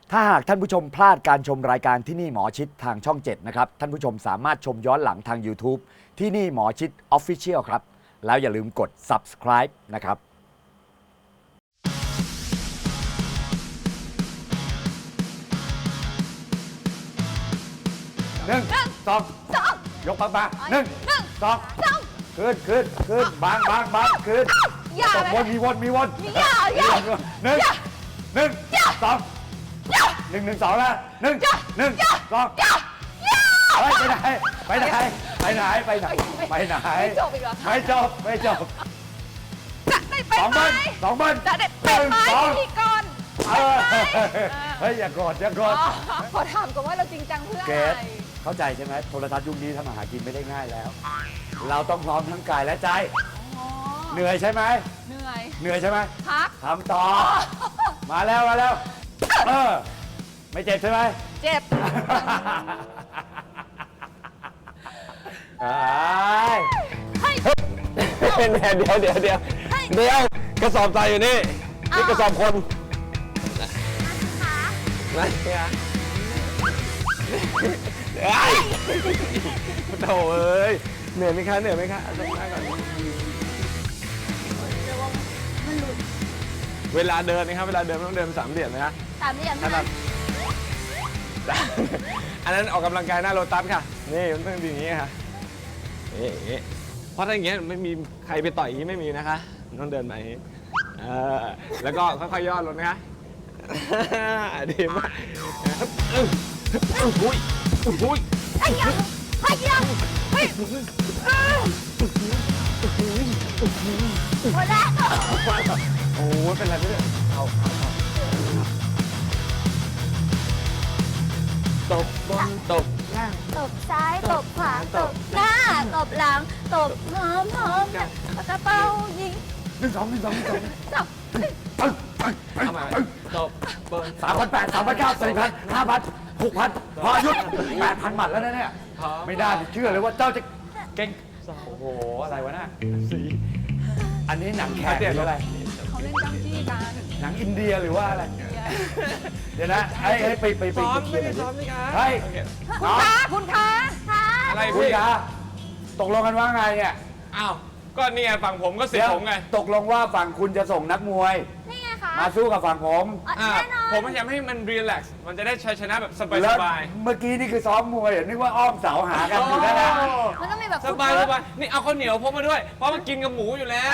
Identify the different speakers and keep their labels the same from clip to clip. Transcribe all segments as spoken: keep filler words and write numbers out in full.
Speaker 1: ถ้าหากท่านผู้ชมพลาดการชมรายการที่นี่หมอชิดทางช่องเจ็ดนะครับท่านผู้ชมสามารถชมย้อนหลังทาง YouTube ที่นี่หมอชิด Official ครับแล้วอย่าลืมกด Subscribe นะครับหนึ่งสองยกปากมาหนึ่งสองขึ้นขึ้นขึ้นบางบางบางขึ้นตกวนมีวนมีวนหนึ่งหนึ่งสองหนึ่งหนึ่งสองแล้วหนึ่งหนึ่งสองไปไหนไปไหนไปไหนไปไหนไปไหนไม่จบอีกเหรอไม่จบไม่จบ
Speaker 2: จะได้ไปไหม
Speaker 1: สองเบิ้ล
Speaker 2: จะได้ไปไหมพี่ก่อน
Speaker 1: เฮ้ยอย่ากอดอย่ากอด
Speaker 2: ขอถามก่อนว่าเราจริงจังเพื่ออะไร
Speaker 1: เข้าใจใช่ไหมโทรทัศน์ยุคนี้ทำอาหารกินไม่ได้ง่ายแล้วเราต้องพร้อมทั้งกายและใจเหนื่อยใช่ไหม
Speaker 2: เหนื่อย
Speaker 1: เหนื่อยใช่ไหม
Speaker 2: พัก
Speaker 1: ทำต่อมาแล้วมาแล้วเออไม่เจ็บใช่ไหม
Speaker 2: เจ็บ
Speaker 3: เป็นแผนเดี๋ยวเดี๋ยวเดี๋ยวเดี๋ยวกระสอบใจอยู่นี่นี่กระสอบคนนะเนี่ยไอ้โถ่เอ้ยเหนื่อยไหมคะเหนื่อยไหมคะเอาตรงหน้าก่อนเวลาเดินนะครับเวลาเดินต้องเดินสามเหลี่ยมนะ
Speaker 2: สามเหลี่ยมนะ
Speaker 3: อันนั้นออกกำลังกายหน้าโลตัสค่ะนี่มันต้องอย่างนี้ค่ะนี่เพราะถ้าอย่างเงี้ยไม่มีใครไปต่อยอย่างนี้ไม่มีนะคะต้องเดินไปเออแล้วก็ค่อยๆย่อลงนะคะดีมากอุ้ยอุ้ย
Speaker 2: ไอ้ยังไอ้ยังเฮ้ยหมดแล้ว
Speaker 3: โอ้ยเป็นไรไม่ได้เอาตบบนตบล่าง
Speaker 2: ตบซ้ายตบขวาตบหน้าตบหลังตบหอมหอมกระเป๋ายิง
Speaker 1: หนึ่งสองหนึ่งสองหนึ่งสอง
Speaker 2: สอง
Speaker 3: เอามาตบเบิร์น
Speaker 1: สามพันแปดสามพันเก้าสี่พันห้าพันหกพันพอหยุดแปดพันหมัดแล้วนะเนี่ยไม่ได้เชื่อเลยว่าเจ้าจะเก่งโอ้โหอะไรวะน่ะอันนี้หนังแขกหรืออะไร
Speaker 2: เขาเล่นจ้ำจี้กัน
Speaker 1: หนังอินเดียหรือว่าอะไรเดี๋ยวนะไอ้ไปไปไป
Speaker 3: ซ้อมไม่ได้ซ้อมนี่คะ
Speaker 1: เฮ้ย
Speaker 2: คุณคะคุณคะ
Speaker 3: อะไร
Speaker 1: คุณ
Speaker 3: พี่
Speaker 1: คะตกลงกันว่าไงเนี่ย
Speaker 3: อ้าวก็นี่ไงฝั่งผมก็สิผมไง
Speaker 1: ตกลงว่าฝั่งคุณจะส่งนักมวย
Speaker 2: นี่ไงคะ
Speaker 1: มาสู้กับฝั่งผม
Speaker 3: ผมพยายามให้มันรีแลกซ์มันจะได้ชัยชนะแบบสบายสบาย
Speaker 1: เมื่อกี้นี่คือซ้อมมวยนึกว่าอ้อมเสาหากันอยู่นั่นนะ
Speaker 2: มันต้องมีแบบ
Speaker 3: สบายสบายนี่เอาข้าวเหนียวพกมาด้วยเพราะมันกินกับหมูอยู่แล้ว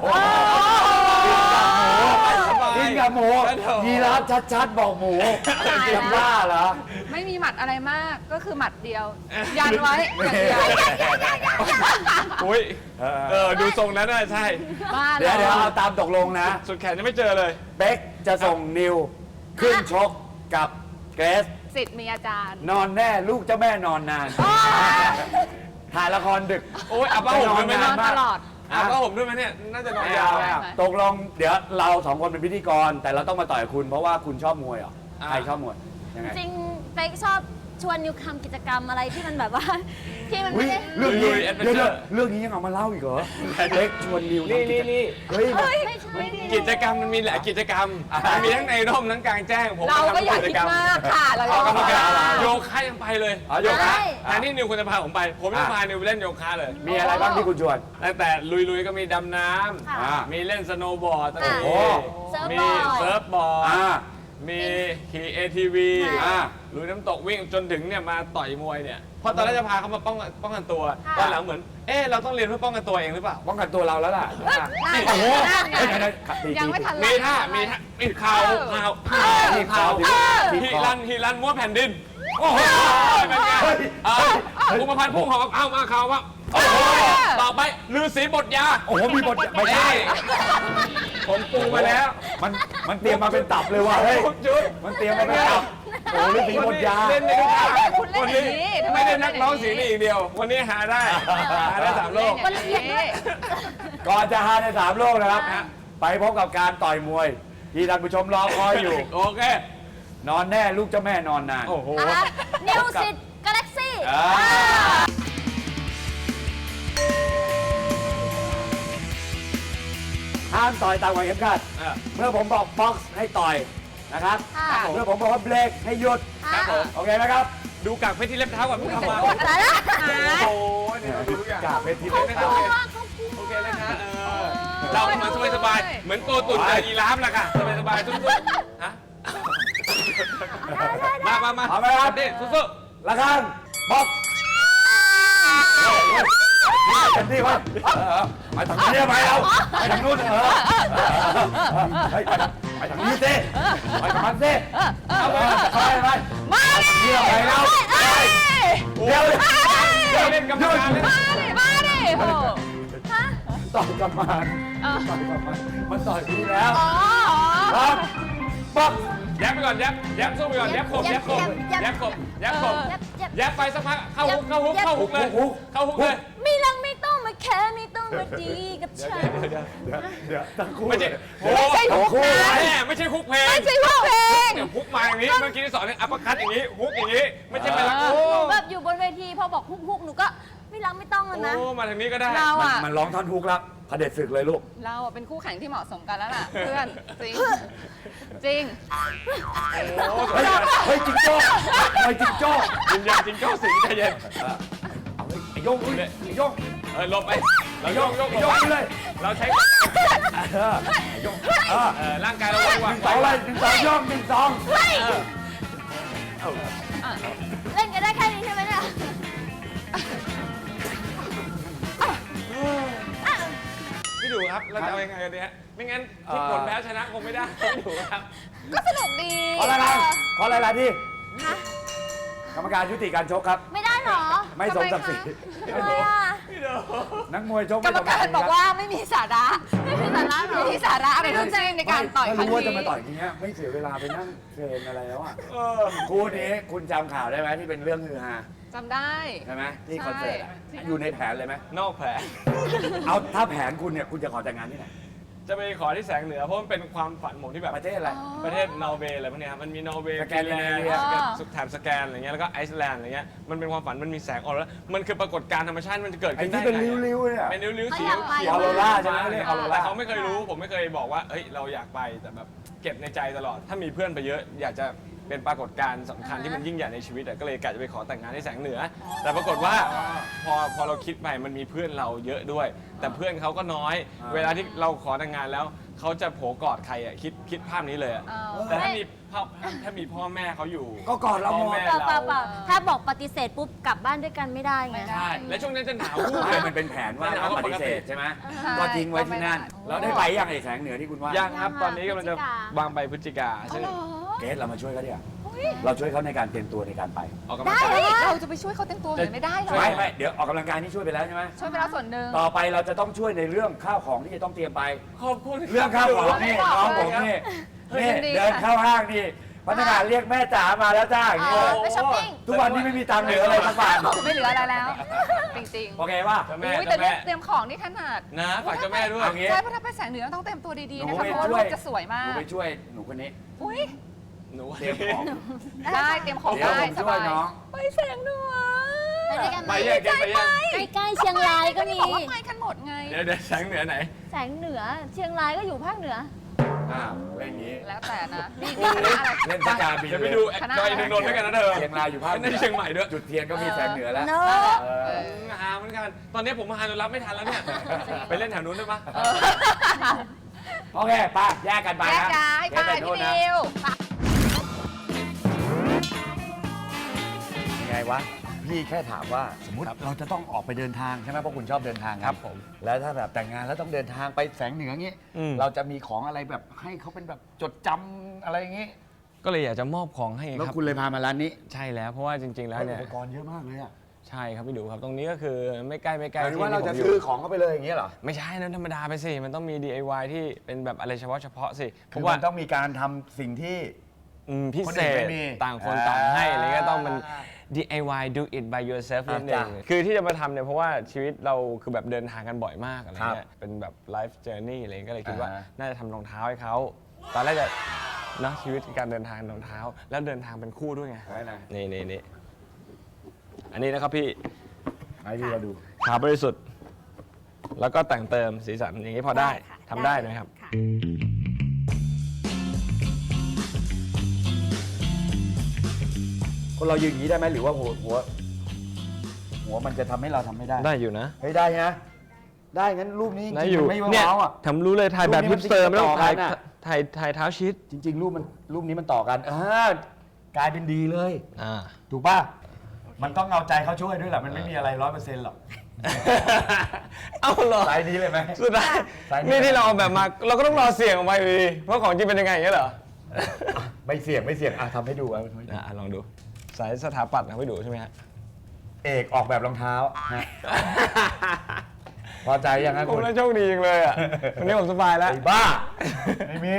Speaker 1: กินกับหมูยีราฟชัดๆบอกหมูจำว่าเหรอ
Speaker 2: ไม่มีหมัดอะไรมากก็คือหมัดเดียวยันไว้อย่างเดียว
Speaker 3: อุ้ยเออดูทรงนั้นน่ะใช่
Speaker 1: เดี๋ยวเดี๋ยวเอาตามตกลงนะ
Speaker 3: สุดแขนยังไม่เจอเลย
Speaker 1: เป๊กจะส่งนิวขึ้นชกกับเกรซ
Speaker 2: สิทธิ์มีอาจารย์
Speaker 1: นอนแน่ลูกเจ้าแม่นอนนานถ่ายละครดึก
Speaker 3: โอ้ยอาบ้าผมด้วยไหม
Speaker 2: นอนตลอด
Speaker 3: อาบ้าผมด้วยไหมเนี่ยน่าจะนอนยาว
Speaker 1: ตกลงเดี๋ยวเราสองคนเป็นพิธีกรแต่เราต้องมาต่อยคุณเพราะว่าคุณชอบมวยเหรอใครชอบมวยยังไง
Speaker 4: จริงเป๊กชอบชวนนิวทำกิจกรรมอะไรที่มันแบบว่าที่มันไม่ได้
Speaker 1: เรื่องนี้เรื่องเรื่องนี้ยังเอามาเล่าอีกเหรอเป๊กชวนนิว
Speaker 3: นี่นี่นี่
Speaker 1: เฮ้ย
Speaker 3: กิจกรรมมันมีหลายกิจกรรมมีทั้งในร่มทั้งกลางแจ้งผม
Speaker 2: เราก็อยากคิดมากค่ะเรา
Speaker 3: ก็ทำโยคะยังไปเลยโยคะแทนที่นิวคุณจะพาผมไปผมจะพานิวไปเล่นโยคะเลย
Speaker 1: มีอะไรบ้างที่คุณชวน
Speaker 3: ตั้งแต่ลุยๆก็มีดำน้ำมีเล่นสโนว์บอร์ดมีเซิร์ฟบอร์ดมีขี่ เอ ที วี ลุยน้ำตกวิ่งจนถึงเนี่ยมาต่อยมวยเนี่ยเพราะตอนแรกจะพาเขามาป้องป้องกันตัวตอนหลังเหมือนเออเราต้องเรียนเพื่อป้องกันตัวเองหรือเปล่า
Speaker 1: ป้องกันตัวเราแล้วล่ะ
Speaker 2: โอ้โห
Speaker 3: ยังไม่ทันมีท่ามีท่ามีข่าวข่าว
Speaker 1: มีข่าว
Speaker 3: ฮีรันฮีรันม้วนแผ่นดินโอ้โหเป็นไงภูมิพันธ์พุ่งหอกเอามาข่าวว่าต่อไปฤาษีบทยา
Speaker 1: โอ้โหมีบทไม่ใช่
Speaker 3: ผมปูมาแล้ว
Speaker 1: มันมันเตรียมมาเป็นตับเลยว่ะเฮ้ยมันเตรียมมาเป็นตับโอ้ฤาษีบทยา
Speaker 3: เล่นในทุกท่าวันนี้ไม่ได้นักร้องสีนี่อีกเดียววันนี้หาได้หาได้สามโลก
Speaker 1: ก่อนจะหาได้สามโลกนะครับไปพบกับการต่อยมวยที่ท่านผู้ชมรอคอยอยู่
Speaker 3: โอเคน
Speaker 1: อนแน่ลูกเจ้าแม่นอนนาน
Speaker 3: โอ้โห
Speaker 4: นิวสิทธิ์กาแล็กซี่
Speaker 1: ห้ามต่อยตามกฎเข็มขัดเมื่อผมบอกบ็อกซ์ให้ต่อยนะครับ
Speaker 2: ค่ะ
Speaker 1: เมื่อผมบอกว่าเบรกให้หยุด
Speaker 3: ครับผม
Speaker 1: โอเคไหมครับ
Speaker 3: ดูกากเพชรที่เล็บเท้าก่อนเพิ่งทำมา
Speaker 2: อะไรนะ
Speaker 3: โอ้โหเนี่ยดูทุกอย่าง
Speaker 1: กากเพชรที่
Speaker 3: โอ
Speaker 1: เล็บ
Speaker 3: เคนะครับโอเคนะคะเออเราก็มาสบายๆเหมือนโกตุ่นกับยีราฟแหละค่ะสบายๆทุกๆฮะมามามา
Speaker 1: เอาไหมครับ
Speaker 3: ดิสู้
Speaker 1: ระฆังบอกเต็มที่ไว้ไปทางนี้ไปเอาไปทางนู้นเออไปไปทางนี้สิไปทางนั้นสิเอาไปไปไปมาเดี๋ยวไปแล้วเดี๋ยว
Speaker 3: ๆเดี๋ยวเล่นกรรมการเลย
Speaker 2: มาดิมาดิโอ้
Speaker 1: ต่อยกลับมาต่อยกลับมามันต่อยพี่แล้ว
Speaker 2: อ๋อ
Speaker 1: ครับป๊อก
Speaker 3: แยบไปก่อนแยบแยบสู้ไปก่อนแยบขบแยบขบแยบขบแยบขบ
Speaker 4: ยับยับ
Speaker 3: แยบไปสักพักเข้าฮุกเข้าฮุกเข้าฮุกเลยเข้าฮุกเลย
Speaker 4: ไม่รังไม่ต้องมาแค่ไม่ต้องมาดีกับฉัน
Speaker 1: เดี๋ยวเดี๋ยวทั้งคู่
Speaker 3: ไม่ใช่โอ้
Speaker 2: ไม่ใช่ฮุกนะ
Speaker 3: แม่ไม่ใช่ฮุกเพลง
Speaker 2: ไม่ใช่ฮุกเพลง
Speaker 3: เนี่ยฮุกมาอย่างนี้เมื่อกี้ที่สอนเนี่ยอัปเปอร์คัตอย่างนี้ฮุกอย่างนี้ไม่ใช่ไปแล้ว
Speaker 4: ห
Speaker 3: โอ้
Speaker 4: นูแบบอยู่บนเวทีพอบอกฮุกฮุกหนูก็ไม่รังไม่ต้องแล้วนะ
Speaker 3: โอ้มาทางนี้ก็ได้
Speaker 2: เรา
Speaker 1: มัน
Speaker 2: อะ
Speaker 1: มันร้องท่อนฮุกแล้วเผด็จศึกเลยลูก
Speaker 2: เราอะเป็นคู่แข่งที่เหมาะสมกันแล้วล่ะ เพื่อนจริงจริง
Speaker 3: โอ้
Speaker 1: เฮ้ยเฮ้ยจิงโจ้เฮ้ยจิงโจ้
Speaker 3: วิญญาณจริงเจ้าสิงใจเย็น
Speaker 1: เอาเฮ้ยไอ้โยงเฮ้ยไอ้โยง
Speaker 3: เออหลบไปเรา
Speaker 1: ไอ้
Speaker 3: โย
Speaker 1: โย
Speaker 3: ก
Speaker 1: ง
Speaker 3: โยก
Speaker 1: ไอ้
Speaker 3: หล
Speaker 1: โย
Speaker 3: บ
Speaker 1: ง
Speaker 3: ไป
Speaker 1: เลย
Speaker 3: เราใช้
Speaker 1: เออไอ้โยงเออ
Speaker 3: เออร่างกายเราไว้วาง
Speaker 1: สองเลยหนึ่งสองโยงหนึ่งสอง
Speaker 4: เล่นกันได้แค่นี้ใช่ไหมเนี่ย
Speaker 3: พี่ดูครับเราจะเอายังไงกันดีฮะไม่งั้นทุกผลแพ้ชนะคงไม่ได้พี่ดูครับ
Speaker 2: ก็สนุกดี
Speaker 1: ขออะไรนะขออะไรล่ะที่กรรมการยุติการชกครับ
Speaker 4: ไม่ได้หรอ
Speaker 1: ไม่สมศักดิ์ศรี
Speaker 4: ทำไมอ่ะ
Speaker 1: นักมวยชก
Speaker 2: กร
Speaker 1: ไม่
Speaker 2: รม
Speaker 1: สมศั
Speaker 2: กาก ร
Speaker 1: ดิ์ศรี
Speaker 2: บอกว่าไม่มีสาระ
Speaker 4: ไม่มีสาระหรอ
Speaker 2: ไม่มีสาระอะไรทั้งสิ้นในการต่อยครั้ง
Speaker 1: ถ้ารู้ว่าจะ
Speaker 2: นี้
Speaker 1: มาต่อยอย่างเงี้ยไม่เสียเวลาไปนั่งเทรนอะไรแล้วอ่ะ
Speaker 3: เออ
Speaker 1: คู่นี้คุณจำข่าวได้ไหมที่เป็นเรื่องฮือฮา
Speaker 2: จำได้
Speaker 1: ใช่ไหมที่คอนเสิร์ตอะอยู่ในแผนเลยไหม
Speaker 3: นอกแผล
Speaker 1: เอาถ้าแผนคุณเนี่ยคุณจะขอแต่งงานที่ไหน
Speaker 3: จะไปขอที่แสงเหนือเพราะมันเป็นความฝันผมที่แบบ
Speaker 1: ประเทศอะไร
Speaker 3: ประเทศนอร์เวย์อะไรพวกเนี้ยครับมันมีนอร์เวย์
Speaker 1: สแก
Speaker 3: ฟิ
Speaker 1: น
Speaker 3: น
Speaker 1: ดิ
Speaker 3: แลน
Speaker 1: เน
Speaker 3: ด์
Speaker 1: เวีย
Speaker 3: สุดแถบสแกนอะไรเงี้ยแล้วก็ไอซ์แลนด์อะไรเงี้ยมันเป็นความฝันมันมีแสงออโรรามันคือปรากฏการณ์ธรรมชาติมันจะเกิด
Speaker 1: ไอ้
Speaker 3: ขึ้นได้
Speaker 1: ที่เป็น
Speaker 3: ไง
Speaker 1: ริ้วๆเนี่ย
Speaker 3: เป็นริ้วๆ
Speaker 4: เขา
Speaker 3: สี
Speaker 4: อยากไป
Speaker 3: เขียว
Speaker 1: ออโรราใช่ไหมเรียกออโรรา
Speaker 3: แต่เขาไม่เคยรู้ผมไม่เคยบอกว่าเฮ้ยเราอยากไปแต่แบบเก็บในใจตลอด ถ้ามีเพื่อนไปเยอะอยากจะเป็นปรากฏการณ์สำคัญที่มันยิ่งใหญ่ในชีวิตอะก็เลยกะจะไปขอแต่งงานที่แสงเหนือ แต่ปรากฏว่าพอพอเราคิดไปมันมีเพื่อนเราเยอะด้วย แต่เพื่อนเขาก็น้อย เวลาที่เราขอแต่งงานแล้วเขาจะโผกอดใครอะคิดคิดภาพนี้เลยอะ
Speaker 2: เออ
Speaker 3: แต่ถ้ามีพ่อถ้ามีพ่อแม่เขาอยู่
Speaker 1: ก็กอดเราหมด
Speaker 3: พ่อแม่
Speaker 4: เปล่าเปล่าเปล่า
Speaker 3: เรา
Speaker 4: ถ้าบอกปฏิเสธปุ๊บกลับบ้านด้วยกันไม่ได้ไง
Speaker 2: ไม่ได้
Speaker 3: ใช่และช่วงนั้นจะหนาววูบ
Speaker 1: ไม่มันเป็นแผนว่าเราปฏิเสธใช่ไหม
Speaker 2: ใช่
Speaker 1: ก็ทิ้งไว้ที่นั่น
Speaker 2: ก็ไม่ได้
Speaker 1: แล้วได้ไปยังไอ้แสงเหนือที่คุณว่า
Speaker 3: ยังครับ
Speaker 4: ยัง
Speaker 3: ตอนนี้กำลังจะ
Speaker 4: พฤศจิกา
Speaker 3: วางไปพฤศจิกาซึ่ง
Speaker 2: เหรอ
Speaker 1: เกสเรามาช่วยเขาดิอ่ะเราช่วยเขาในการเตรียมตัวในการไป
Speaker 3: ออกกำลังกาย
Speaker 2: เฮ้ยเราจะไปช่วยเขาเต็มตัวหน่อยไม่ได้หรอ
Speaker 1: ไม่ไม่เดี๋ยวออกกำลังกายนี่ช่วยไปแล้วใช่ไหม
Speaker 2: ช่วยไปแล้วส่วนหนึ่ง
Speaker 1: ต่อไปเราจะต้องช่วยในเรื่องข้าวของที่จะต้องเตรียมไป
Speaker 3: ขอบคุณ
Speaker 1: เรื่องข้าวของนี่น้องผมนี่นี่เดินเข้าห้างนี่พนักงานเรียกแม่จ๋ามาแล้วจ้าอย่าง
Speaker 4: เอ
Speaker 1: เงี้ย
Speaker 4: อไปช้อปปิ้ง
Speaker 1: ทุกวันนี้ไม่มีตังค์เหลืออะไรสักบาท
Speaker 2: ไม่เหลืออะไรแล้ว จริง
Speaker 1: โอเคป่ะ
Speaker 3: เจ้า
Speaker 2: ๆ
Speaker 3: แม่
Speaker 2: อุ้ยแต่
Speaker 3: เจ้า
Speaker 2: เนี่
Speaker 3: แม่
Speaker 2: ยเตรียมของนี่ขนาด
Speaker 3: นะฝากเจ้าแม่ด้วย
Speaker 1: เอางี้
Speaker 2: ใช่เพราะถ้าไปแสงเหนือต้องเตรียมตัวดีๆ
Speaker 1: หนู
Speaker 2: นะคะ
Speaker 1: ไป
Speaker 2: เพราะว่า
Speaker 1: ช่
Speaker 2: รู
Speaker 1: วย
Speaker 2: ปจะสวย
Speaker 1: ห
Speaker 2: มา
Speaker 1: นู
Speaker 2: ก
Speaker 1: ไปช่วยหนูคนนี้
Speaker 2: อุ้ย
Speaker 3: หนู
Speaker 1: เตรียมของ
Speaker 2: ได้เตรียมของ
Speaker 1: เดี๋ยว
Speaker 2: ได้
Speaker 1: ผม
Speaker 2: ส
Speaker 1: ช่ว
Speaker 2: บาย ย
Speaker 1: น้อง
Speaker 2: ไปแสงเหนือ
Speaker 4: ไปด้วยกันไห
Speaker 3: ไป
Speaker 4: ม
Speaker 3: แยกกันไปแยก
Speaker 4: ใกล้ๆเชียงรายก็มี
Speaker 2: บอกว่าไปกันหมดไง
Speaker 3: เดี๋ยวเดี๋ยวแสงเหนือไหน
Speaker 4: แสงเหนือ เชียงรายก็อยู่ภาคเหนือ
Speaker 1: อ้าวเล่นอย่างนี้
Speaker 2: แล้วแต่นะนี่
Speaker 1: โอ้โหเล่นสกาบี
Speaker 3: เดี๋ยวไปดูดอยอินทนนท์ด้วยกันนะเธอ
Speaker 1: เชียงรายอยู่ภาค
Speaker 3: ไม่ได้เชียงใหม่ด้วย
Speaker 1: จุดเทียนก็มีแสงเหนือแล้ว
Speaker 4: เนอะ
Speaker 1: เอ
Speaker 2: เอ
Speaker 1: อ
Speaker 2: อ
Speaker 3: หาเหมือนกัน ตอนนี้ผมมาหาจนรับไม่ทันแล้วเนี่ย ไปเล่นแถวนู้นได้ปะ
Speaker 1: โอเคไปแยกกันไป
Speaker 2: แยก
Speaker 1: นะ
Speaker 2: ย้ายไป
Speaker 1: แยก
Speaker 2: พี่
Speaker 1: โน่นนะ
Speaker 2: ดิว
Speaker 1: ยังไงวะ พี่แค่ถามว่าสมมติเราจะต้องออกไปเดินทางใช่ไหมเพราะคุณชอบเดินทาง
Speaker 3: ครับผม
Speaker 1: แล้วถ้าแบบแต่งงานแล้วต้องเดินทางไปแสงเหนืออย่างงี้
Speaker 3: อืม
Speaker 1: เราจะมีของอะไรแบบให้เขาเป็นแบบจดจำอะไรอย่างงี้
Speaker 3: ก็เลยอยากจะมอบของให้
Speaker 1: แล้ว
Speaker 3: ครับ
Speaker 1: คุณเลยพามาร้านนี้
Speaker 3: ใช่แล้วเพราะว่าจริง ๆ แล้วเนี่ย
Speaker 1: อุปกรณ์เยอะมากเลยอ่ะ
Speaker 3: ใช่ครับพี่ดูครับตรงนี้ก็คือไม่ใกล้ไม่ไก
Speaker 1: ห
Speaker 3: ล
Speaker 1: มายถึงว่า
Speaker 3: ที่
Speaker 1: เราจะ
Speaker 3: ผมยู่
Speaker 1: ซื้อของเข้าไปเลยอย่างเงี้ยเหรอ
Speaker 3: ไม่ใช่นั้นธรรมดาไปสิ มันต้องมี ดี ไอ วาย ที่เป็นแบบอะไรเฉพาะเฉพาะสิเพ
Speaker 1: คือ
Speaker 3: ราะว่า
Speaker 1: มันต้องมีการทำสิ่งที่
Speaker 3: อืมพิ
Speaker 1: คน
Speaker 3: เศ
Speaker 1: อื่น
Speaker 3: ษ
Speaker 1: ไม่มี
Speaker 3: ต่างคนต่างให้อะไรเงี้ยต้องมัน
Speaker 1: อ่า
Speaker 3: ดี ไอ วาย do it by yourself
Speaker 1: อ่า
Speaker 3: นั่นเอง
Speaker 1: จ้ะ
Speaker 3: คือที่จะมาทำเนี่ยเพราะว่าชีวิตเราคือแบบเดินทางกันบ่อยมากอะไร
Speaker 1: ครับ
Speaker 3: เงี้ยเป็นแบบ life journey อะไรเงี้ยก็เลยคิดว่า
Speaker 1: อ่าฮะ
Speaker 3: น่าจะทำรองเท้าให้เขาตอนแรกจะเนอะชีวิตการเดินทางรองเท้า แล้วเดินทางเป็นคู่ด้วยไง
Speaker 1: ไว้นะ
Speaker 3: นี่นี่นี่อันนี้นะครับพี่
Speaker 1: ให้พี่เราดู
Speaker 3: ขาวบริสุทธิ์แล้วก็แต่งเติมสีสันอย่างนี้พอได้
Speaker 4: ค่ะ
Speaker 3: ทำได้ไหมครับ
Speaker 4: ค่ะ
Speaker 1: คนเรายืนอย่างนี้ได้ไหมหรือว่าหัวหัว หัวมันจะทำให้เราทำไม่ได้
Speaker 3: ได้อยู่นะ
Speaker 1: เฮ้ยได้นะได้งั้นรูปนี้จ
Speaker 3: ได้
Speaker 1: ริง
Speaker 3: อยู่
Speaker 1: ๆมันไม่
Speaker 3: เนี่ย
Speaker 1: ว้าวอ่ะ
Speaker 3: ทำรู้เลยถ่ายแบบ
Speaker 1: รู
Speaker 3: ฮิ
Speaker 1: ปนี้มัน
Speaker 3: ปสเตอร์ไม่ต้อง
Speaker 1: ต่อกั
Speaker 3: ถ่าย
Speaker 1: นน่ะ
Speaker 3: ถ่ายถ่ายเท้าชิด
Speaker 1: จริง ๆ รูปมันรูปนี้มันต่อกันอ่ากลายเป็นดีเลย
Speaker 3: อ่า
Speaker 1: ถูกป่ะมันต้องเอาใจเขาช่วยด้วยแหละมันไม่มีอะไรร้อยเปอร์เซ็นต์หรอก
Speaker 3: เอาเหรอ
Speaker 1: สายนี้เลยไหม
Speaker 3: สุดท้าย
Speaker 1: สายนี้
Speaker 3: นี่ที่เราเอาแบบมาเราก็ต้องรอเสี่ยงออกมาอยู่ดีเพราะของจริงเป็นยังไงอย่างเงี้ยเหรอ
Speaker 1: ไม่เสี่ยงไม่เสี่ยงอ่ะทำให้ดูอ่ะ
Speaker 3: อ่ะลองดูสายสถาปัตย์ทำให้ดูใช่ไหมฮะ
Speaker 1: เอกออกแบบรองเท้าฮะพอใจยังครับ
Speaker 3: ผ
Speaker 1: คุ
Speaker 3: ม
Speaker 1: ณ
Speaker 3: น่าโชคดีจังเลยอ่ะวันนี้ผมสบายแล้ว
Speaker 1: ไอ้บ้าไม่มี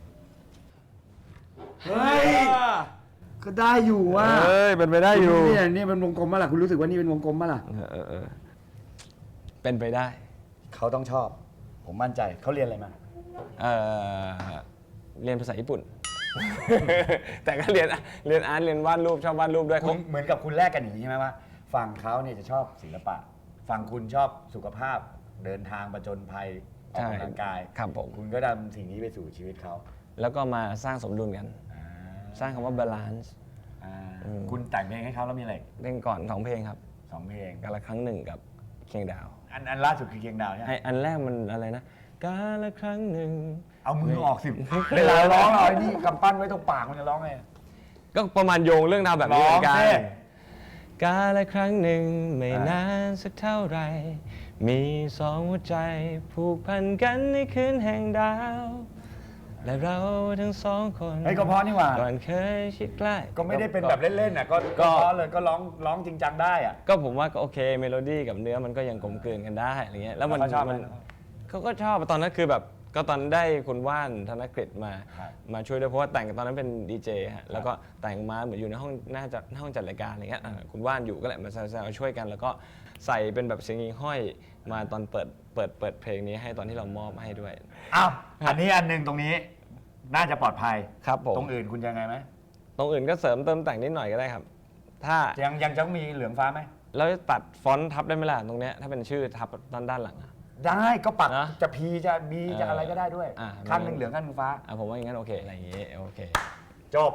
Speaker 1: เฮ้ยก็ได้อยู่ว่ะ
Speaker 3: เอ้ยเป็นไปได้อยู่
Speaker 1: เนี่ยนี่เป็นวงกลมมั้ยล่ะคุณรู้สึกว่านี่เป็นวงกลมมั้ยล่ะ
Speaker 3: เออเออเออเป็นไปได้
Speaker 1: เขาต้องชอบ ผมมั่นใจเขาเรียนอะไรมา
Speaker 3: เออเรียนภาษาญี่ปุ่น แต่ก็เรียนเรียนอาร์ตเรียนวาดรูปชอบวาดรูปด้วย
Speaker 1: คุ
Speaker 3: เขา
Speaker 1: ณเหมือนกับคุณแลกกันอย่างนี้ใช่ไหมว่าฝั่งเขาเนี่ยจะชอบศิลปะฝั่งคุณชอบสุขภาพเดินทางประจนภัยออกกำลังกาย
Speaker 3: ครับผม
Speaker 1: คุณก็นำสิ่งนี้ไปสู่ชีวิตเขา
Speaker 3: แล้วก็มาสร้างสมดุลกัน
Speaker 1: อ่า
Speaker 3: สร้างคำว่า balance
Speaker 1: อ่า
Speaker 3: อืม
Speaker 1: คุณแต่งเพลงให้เขาแล้วมีอะไร
Speaker 3: เล่นก่อนสองเพลงครับ
Speaker 1: สองเพลง
Speaker 3: กาละครั้งหนึ่งกับเคียงดาว
Speaker 1: อันอันล่าสุดคือเคียงดาวใช่ไหม
Speaker 3: ไออันแรกมันอะไรนะกาละครั้งหนึ่ง
Speaker 1: เอามือออกสิเวลาร้องเอาไอ้นี่กำปั้นไว้ตรงปากมันจะร้องไง
Speaker 3: ก็ประมาณโยงเรื่องราวแบบนี้เหมือนกั
Speaker 1: ร้
Speaker 3: น
Speaker 1: องสิ
Speaker 3: กาละครั้งหนึ่งไม่นานสักเท่าไหรมีสองหัวใจผูกพันกันในคืนแห่งดาว และเราทั้งสองคน
Speaker 1: เฮ้ยก็เพราะนี่หว่า
Speaker 3: ก่อนเคยชิดใกล้
Speaker 1: ก็ไม่ได้เป็นแบบเล่นๆน่ะก็
Speaker 3: ก็
Speaker 1: ก็เพราะเลยก็ร้องร้องจริงจังได้อะ
Speaker 3: ก็ผมว่าก็โอเคเมโลดี้กับเนื้อมันก็ยังกลมกลืนกันได้อะไรเงี้ยแล้วมัน
Speaker 1: แล้วเขาชอบไหม
Speaker 3: มันเขาก็ชอบตอนนั้นคือแบบก็ตอนได้คุณว่านธนกฤษมา
Speaker 1: ครับ
Speaker 3: มาช่วยด้วยเพราะว่าแต่งตอนนั้นเป็นดีเจฮะแล้วก็แต่งมาเหมือนอยู่ในห้องน่าจะห้องจัดรายการอะไรเงี้ยอ่าคุณว่านอยู่ก็แหละมาแซวๆช่วยกัน แล้วก็ใส่เป็นแบบเสียงยิงห้อยมาตอนเปิดเปิดเปิดเพลงนี้ให้ตอนที่เรามอบให้ด้วย
Speaker 1: อ้าวอันนี้อันหนึ่งตรงนี้น่าจะปลอดภัย
Speaker 3: ครับผม
Speaker 1: ตรงอื่นคุณยังไงไหม
Speaker 3: ตรงอื่นก็เสริมเติมแต่งนิดหน่อยก็ได้ครับ ถ้า
Speaker 1: ยังยังจะมีเหลืองฟ้าไหม
Speaker 3: เราจะตัดฟอนต์ทับได้ไหมล่ะตรงเนี้ยถ้าเป็นชื่อทับด้านด้านหลังอะ
Speaker 1: ได้ก็ปัก
Speaker 3: นะ
Speaker 1: จะพีจะบี
Speaker 3: เออ
Speaker 1: จะอะไรก็ได้ด้วย
Speaker 3: อ่ะ
Speaker 1: ข้างหนึ่งเหลืองข้างหนึ่งฟ้า
Speaker 3: อ่ะผมว่าอย่างนั้นโอเคอะไรอย่างงี้โอเค
Speaker 1: จบ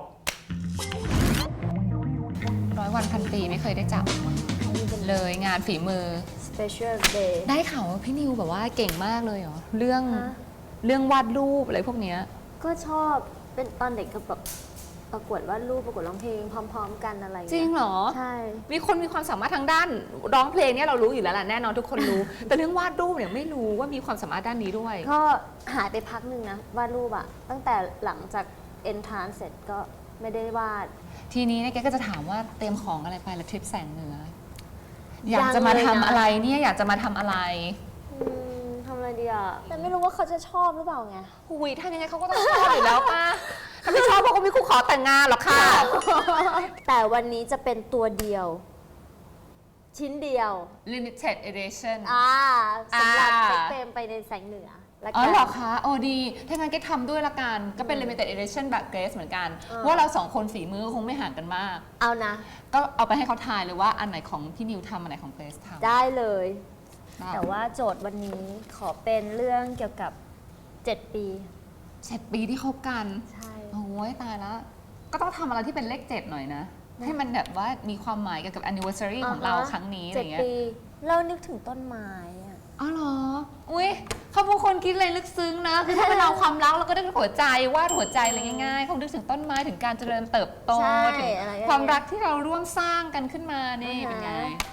Speaker 2: ร้อยวันพันปีไม่เคยได้จับเลยงานฝีมือ
Speaker 4: special day
Speaker 2: ได้ข่าวว่าพี่นิวแบบว่าเก่งมากเลยเหรอเรื่อง
Speaker 4: ฮะ
Speaker 2: เรื่องวาดรูปอะไรพวกเนี้ย
Speaker 4: ก็ชอบเป็นตอนเด็กก็แบบประกวดวาดรูปประกวดร้องเพลงพร้อม ๆ กันอะไรอย่า
Speaker 2: จริง
Speaker 4: เย
Speaker 2: เหรอ
Speaker 4: ใช่
Speaker 2: มีคนมีความสามารถทางด้านร้องเพลงเนี่ยเรารู้อยู่แล้วแหละแน่นอนทุกคนรู้ แต่เรื่องวาดรูปเนี่ยไม่รู้ว่ามีความสามารถด้านนี้ด้วย
Speaker 4: ก็หายไปพักหนึ่งนะวาดรูปอะตั้งแต่หลังจาก entrance เสร็จก็ไม่ได้วาด
Speaker 2: ทีนี้เนี่ยแกก็จะถามว่าเตรียมของอะไรไปละทริปแสงเหนือ
Speaker 4: ยั
Speaker 2: อง ยากจะมา
Speaker 4: เลย
Speaker 2: ทำ
Speaker 4: นะ
Speaker 2: อะไรเนี่ยอยากจะมาทำอะไร
Speaker 4: อืมทำอะไรดีอะแต่ไม่รู้ว่าเขาจะชอบหรือเปล่าไง
Speaker 2: หุยทำยังไงเขาก็ต้องชอบอยู่แล้วป่ะถ้าไม่ชอบเขาก็ไม่คู่ขอแต่งงานหรอกค่ะ
Speaker 4: แต่วันนี้จะเป็นตัวเดียว ชิ้นเดียว
Speaker 2: limited edition
Speaker 4: อ่าสำหรับ
Speaker 2: อ่า
Speaker 4: เซ็กเฟรมไปในแสงเหนือละ
Speaker 2: อ๋
Speaker 4: กั
Speaker 2: อน เหรอคะโอ้ดี ถ้างั้นก็ทำด้วยละกัน ก็เป็น limited edition แบบเกรซเหมือนกัน
Speaker 4: เออ
Speaker 2: เพราะว่าเราสองคนฝีมือคงไม่ห่างกันมาก
Speaker 4: เอานะ
Speaker 2: ก็เอาไปให้เขาทายเลยว่าอันไหนของพี่นิวทำอันไหนของเกรซทำ
Speaker 4: ได้เลย
Speaker 2: ได้
Speaker 4: แต่ว่าโจทย์วันนี้ขอเป็นเรื่องเกี่ยวกับเจ็ดปี
Speaker 2: เจ็ดปีที่คบกัน
Speaker 4: ใช่
Speaker 2: โอ้ยตายแล้ว ก็ต้องทำอะไรที่เป็นเลขเจ็ดหน่อยนะ ให้มันแบบว่ามีความหมายเกี่ยวกับ anniversary ของเราครั้งนี้อะไร
Speaker 4: เจ็ด
Speaker 2: เงี้ย
Speaker 4: ปี เรานึกถึงต้นไม้อะ
Speaker 2: อ๋อเหรอ อุ้ยเขาเป็นคนคิดอะไรลึกซึ้งนะ คือถ้าเป็นเราความรักเราก็นึกถึงหัวใจวาดหัวใจอะไรง่ายๆเขานึกถึงต้นไม้ถึงการเจริญเติบโต
Speaker 4: ใช่
Speaker 2: ถึง
Speaker 4: อะไรอย่างเงี้ย
Speaker 2: ความรักที่เราร่วมสร้างกันขึ้นมานี่
Speaker 4: อ่าฮะ
Speaker 2: เป็นไง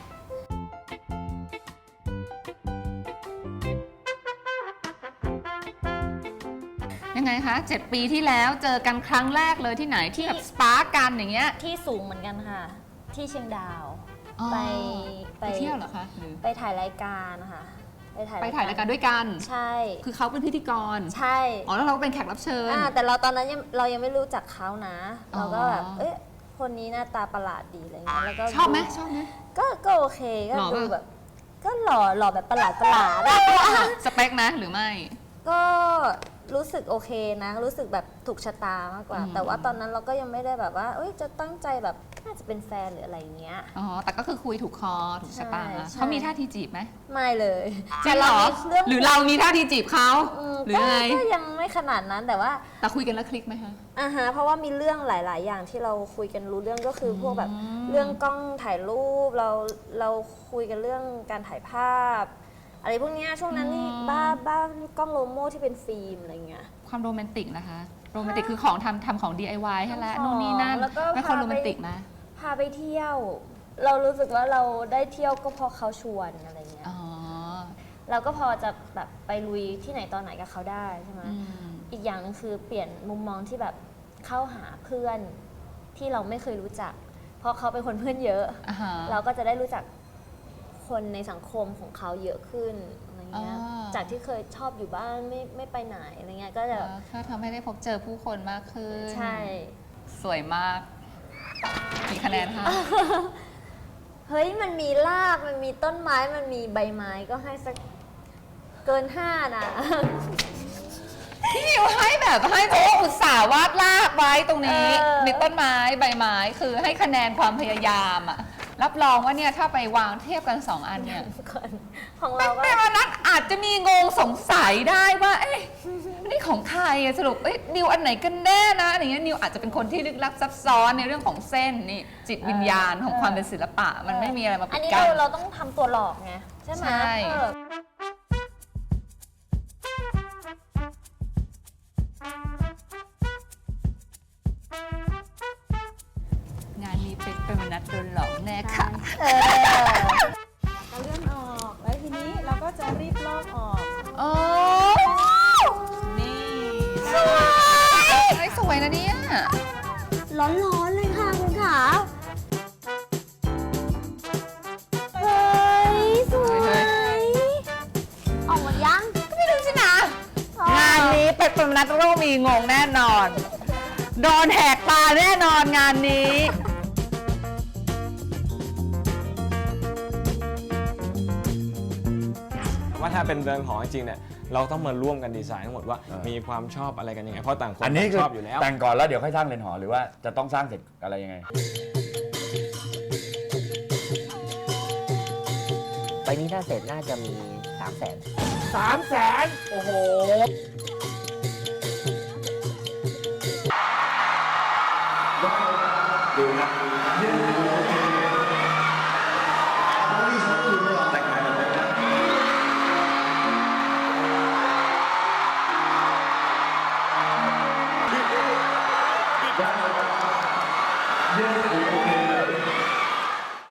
Speaker 2: ยังไงคะเจ็ดปีที่แล้วเจอกันครั้งแรกเลยที่ไหนที่แบบสปาร์กกันอย่างเงี้ย
Speaker 4: ที่สูงเหมือนกันค่ะ ที่เชียงดาว
Speaker 2: อ๋อ
Speaker 4: ไป
Speaker 2: ไปเที่ยวเหรอคะหรือ
Speaker 4: ไปถ่ายรายการนะคะไปถ่าย
Speaker 2: ไปถ่ายรายการด้วยกัน
Speaker 4: ใช่
Speaker 2: คือเขาเป็นพิธีกร
Speaker 4: ใช่
Speaker 2: อ๋อแล้วเราก็เป็นแขกรับเชิญ
Speaker 4: อ่าแต่เราตอนนั้นยังเรายังไม่รู้จักเขานะ
Speaker 2: อ๋อ
Speaker 4: เราก็แบบเอ๊ะคนนี้หน้าตาประหลาดดีอะไรเงี้ยแล้วก็
Speaker 2: ชอบไหมชอบไหม
Speaker 4: ก็ก็โอเคก็
Speaker 2: หล่อปะ
Speaker 4: ดูแบบ ก็หล่อหล่อแบบประหลาดประหลาดอะ
Speaker 2: สเปคนะหรือไม่
Speaker 4: ก็รู้สึกโอเคนะ รู้สึกแบบถูกชะตามากกว่า
Speaker 2: อืม
Speaker 4: แต่ว่าตอนนั้นเราก็ยังไม่ได้แบบว่า เอ้ยจะตั้งใจแบบน่าจะเป็นแฟนหรืออะไรอย่างเงี้ย
Speaker 2: อ๋อ แต่ก็คือคุยถูกคอถูกชะตา
Speaker 4: ใช่ใช่
Speaker 2: เขามีท่าทีจีบไหม
Speaker 4: ไม่เลย
Speaker 2: จริงเหรอ
Speaker 4: มีเรื่อง
Speaker 2: หรือเรามีท่าทีจีบเขา
Speaker 4: ม
Speaker 2: หรือ
Speaker 4: ก็
Speaker 2: ไง
Speaker 4: ก็ยังไม่ขนาดนั้นแต่ว่า
Speaker 2: แต่คุยกันแล้วคลิกไหมคะ
Speaker 4: อ่าฮะเพราะว่ามีเรื่องหลาย ๆ อย่างที่เราคุยกันรู้เรื่องก็คืออ
Speaker 2: ม
Speaker 4: พวกแบบเรื่องกล้องถ่ายรูปเราเราคุยกันเรื่องการถ่ายภาพ อะไรพวกเนี้ยช่วงนั้นนี่บ้าบ้ากล้องโลโม่ที่เป็นฟิล์มอะไรเงี้ย
Speaker 2: ความโรแมนติกนะคะ โรแมนติกคือของทำทำของ ดี ไอ วาย ให้แล้ว
Speaker 4: ทำของ
Speaker 2: นู่นนี่นั่น
Speaker 4: แล้วก็
Speaker 2: ไม่ค่อย
Speaker 4: พาไป
Speaker 2: โรแมนติกนะ
Speaker 4: พาไปเที่ยว เรารู้สึกว่าเราได้เที่ยวก็เพราะเขาชวนอะไรเงี้ย
Speaker 2: อ๋อ
Speaker 4: เราก็พอจะแบบไปลุยที่ไหนตอนไหนกับเขาได้ใช่ไหม
Speaker 2: อืม
Speaker 4: อีกอย่างหนึงคือเปลี่ยนมุมมองที่แบบเข้าหาเพื่อนที่เราไม่เคยรู้จัก เพราะเขาเป็นคนเพื่อนเยอะ
Speaker 2: อ่าฮะ
Speaker 4: เราก็จะได้รู้จักคนในสังคมของเขาเยอะขึ้นอะไรเงี้ย
Speaker 2: อ่า
Speaker 4: จากที่เคยชอบอยู่บ้านไม่ไม่ไปไหนอะไรเงี้ยก็จะแบบ
Speaker 2: ก็ทำให้ได้พบเจอผู้คนมากขึ้น
Speaker 4: ใช่
Speaker 2: สวยมากกี่คะแนนคะ
Speaker 4: เฮ้ยมันมีรากมันมีต้นไม้มันมีใบไม้ก็ให้สักเกินห้านะ
Speaker 2: พี่มิวให้แบบให้เพราะว่าอุตส่าห์วาดลากไว้ตรงนี้
Speaker 4: เออ
Speaker 2: มีต้นไม้ใบไม้คือให้คะแนนความพยายามอะรับรองว่าเนี่ยถ้าไปวางเทียบกันสองอันเนี่ย
Speaker 4: คนของเราก็
Speaker 2: แม่วันนั้นอาจจะมีงงสงสัยได้ว่า เอ๊ะนี่ของใครอะสรุปเอ๊ะนิวอันไหนกันแน่นะอะไรเงี้ยนิวอาจจะเป็นคนที่ลึกลับซับซ้อนในเรื่องของเส้นนี่จิตวิญญาณของความเป็นศิลปะ มันไม่มีอะไรมา
Speaker 4: อั
Speaker 2: ปิ
Speaker 4: น
Speaker 2: ด
Speaker 4: นี้
Speaker 2: กั้
Speaker 4: เรา
Speaker 2: น
Speaker 4: เราต้องทำตัวหลอกไงใช่ไหม
Speaker 2: ใช่
Speaker 4: เออ
Speaker 2: งานนี้เป็นเป็นมนัดโดนหลอกแน่ค่ะ
Speaker 4: เออ
Speaker 5: เราเลื่อนออก แล้วทีนี้เราก็จะรีบลอกออก
Speaker 2: โอ้
Speaker 5: นี่
Speaker 2: สวยสวยนะเนี่ย
Speaker 4: ร้อนๆเลยค่ะคุณขาเฮ้ย สวย ออกหมดยัง
Speaker 2: ก็ไม่รู้สินะ งานนี้เป็นเป็นมนัดโรมีงงแน่นอน โดนแหกตาแน่นอนงานนี้
Speaker 3: ว่าถ้าเป็นเรือนหอจริงๆเนี่ยเราต้องมาร่วมกันดีไซน์ทั้งหมดว่า
Speaker 1: เออ
Speaker 3: มีความชอบอะไรกันยังไงเพราะต่างคน
Speaker 1: อันนี้
Speaker 3: ต่าง
Speaker 1: คือ
Speaker 3: ชอบอยู่แล้ว
Speaker 1: แต่งก่อนแล้วเดี๋ยวค่อยสร้างเรือนหอหรือว่าจะต้องสร้างเสร็จอะไรยังไง
Speaker 6: ไปนี้ถ้าเสร็จน่าจะมีสามแสน
Speaker 1: สามแสนโอ้โห